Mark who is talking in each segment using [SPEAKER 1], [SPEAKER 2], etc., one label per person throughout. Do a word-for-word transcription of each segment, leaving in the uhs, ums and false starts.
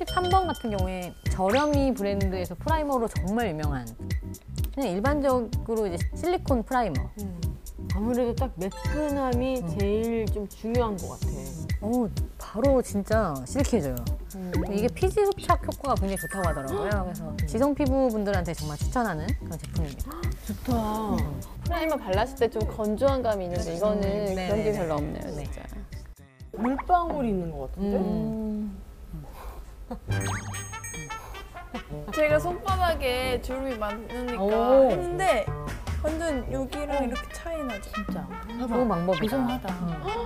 [SPEAKER 1] 삼십삼 번 같은 경우에 저렴이 브랜드에서 프라이머로 정말 유명한 그냥 일반적으로 이제 실리콘 프라이머.
[SPEAKER 2] 음. 아무래도 딱 매끈함이
[SPEAKER 1] 음.
[SPEAKER 2] 제일 좀 중요한 것 같아.
[SPEAKER 1] 오, 바로 진짜 실키해져요.
[SPEAKER 2] 음.
[SPEAKER 1] 이게 피지 흡착 효과가 굉장히 좋다고 하더라고요. 그래서 지성 피부분들한테 정말 추천하는 그런 제품입니다.
[SPEAKER 2] 좋다.
[SPEAKER 1] 음.
[SPEAKER 3] 프라이머 발랐을 때 좀 건조한 감이 있는데 이거는
[SPEAKER 1] 음,
[SPEAKER 3] 그런 게
[SPEAKER 1] 네네네.
[SPEAKER 3] 별로 없네요,
[SPEAKER 1] 네.
[SPEAKER 3] 진짜.
[SPEAKER 2] 물방울이 있는 것 같은데?
[SPEAKER 1] 음.
[SPEAKER 4] 제가 손바닥에 주름이 많으니까
[SPEAKER 1] 오.
[SPEAKER 4] 했는데 완전 여기랑 이렇게 차이 나죠.
[SPEAKER 2] 진짜.
[SPEAKER 1] 좋은 방법이다.
[SPEAKER 3] 고소하다.
[SPEAKER 1] 음.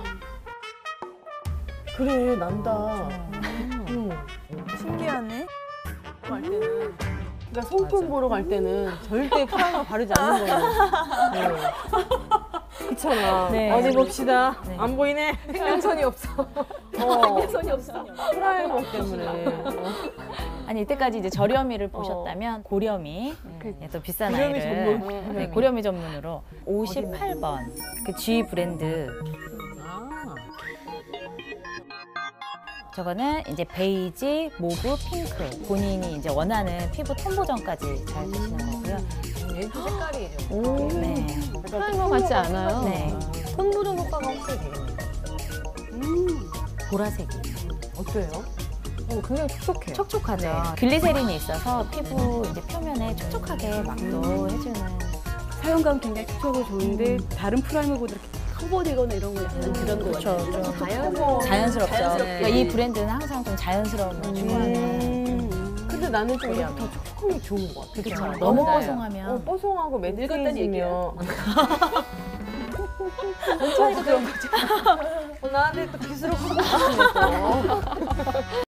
[SPEAKER 2] 그래, 난다.
[SPEAKER 1] 음.
[SPEAKER 2] 응.
[SPEAKER 4] 신기하네. 할 때는
[SPEAKER 2] 그러니까 손금 보러 갈 때는 절대 프라이머 바르지 않는 거예요. 네. 그렇잖아.
[SPEAKER 1] 네.
[SPEAKER 2] 어디 봅시다.
[SPEAKER 1] 네.
[SPEAKER 2] 안 보이네.
[SPEAKER 1] 생명선이 없어.
[SPEAKER 2] 어.
[SPEAKER 3] 손이 없어.
[SPEAKER 2] 프라이머 때문에.
[SPEAKER 5] 아니 이때까지 이제 저렴이를 보셨다면 고렴이 예, 또 비싼
[SPEAKER 2] 고렴이
[SPEAKER 5] 아이를
[SPEAKER 2] 전문.
[SPEAKER 5] 네, 고렴이 전문으로 오십팔 번 그 G 브랜드
[SPEAKER 1] 아.
[SPEAKER 5] 저거는 이제 베이지, 모브, 핑크 본인이 이제 원하는 피부 톤 보정까지 잘 되시는 거고요.
[SPEAKER 1] 얘도 색깔이죠.
[SPEAKER 3] 오.
[SPEAKER 5] 네.
[SPEAKER 3] 프라이머 같지 않아요?
[SPEAKER 5] 네.
[SPEAKER 1] 톤 보정 효과가 확실히 되겠네요.
[SPEAKER 2] 음.
[SPEAKER 5] 보라색이
[SPEAKER 2] 어때요?
[SPEAKER 1] 어, 굉장히 촉촉해요.
[SPEAKER 5] 촉촉하죠.
[SPEAKER 1] 네.
[SPEAKER 5] 글리세린이 있어서 피부 이제 표면에 촉촉하게 막도 해주는.
[SPEAKER 6] 사용감 굉장히 촉촉하고 좋은데 다른 프라이머보다 이렇게 커버되거나 이런 거 약간 그런 거
[SPEAKER 5] 그쵸,
[SPEAKER 6] 같아요.
[SPEAKER 5] 좀
[SPEAKER 1] 자연스러워.
[SPEAKER 5] 자연스럽죠.
[SPEAKER 1] 자연스럽게.
[SPEAKER 5] 그러니까 이 브랜드는 항상 좀 자연스러움을 추구하는.
[SPEAKER 2] 음. 근데 나는 좀 이렇게 더 촉촉한 게 좋은 것 같아.
[SPEAKER 5] 그쵸. 너무
[SPEAKER 1] 맞아요.
[SPEAKER 5] 뽀송하면
[SPEAKER 2] 어, 뽀송하고
[SPEAKER 6] 늙었다는 얘기야.
[SPEAKER 2] 매트리지면. 천천히 그런 거지. 어, 나한테 또 기술을 하고 싶으면 또.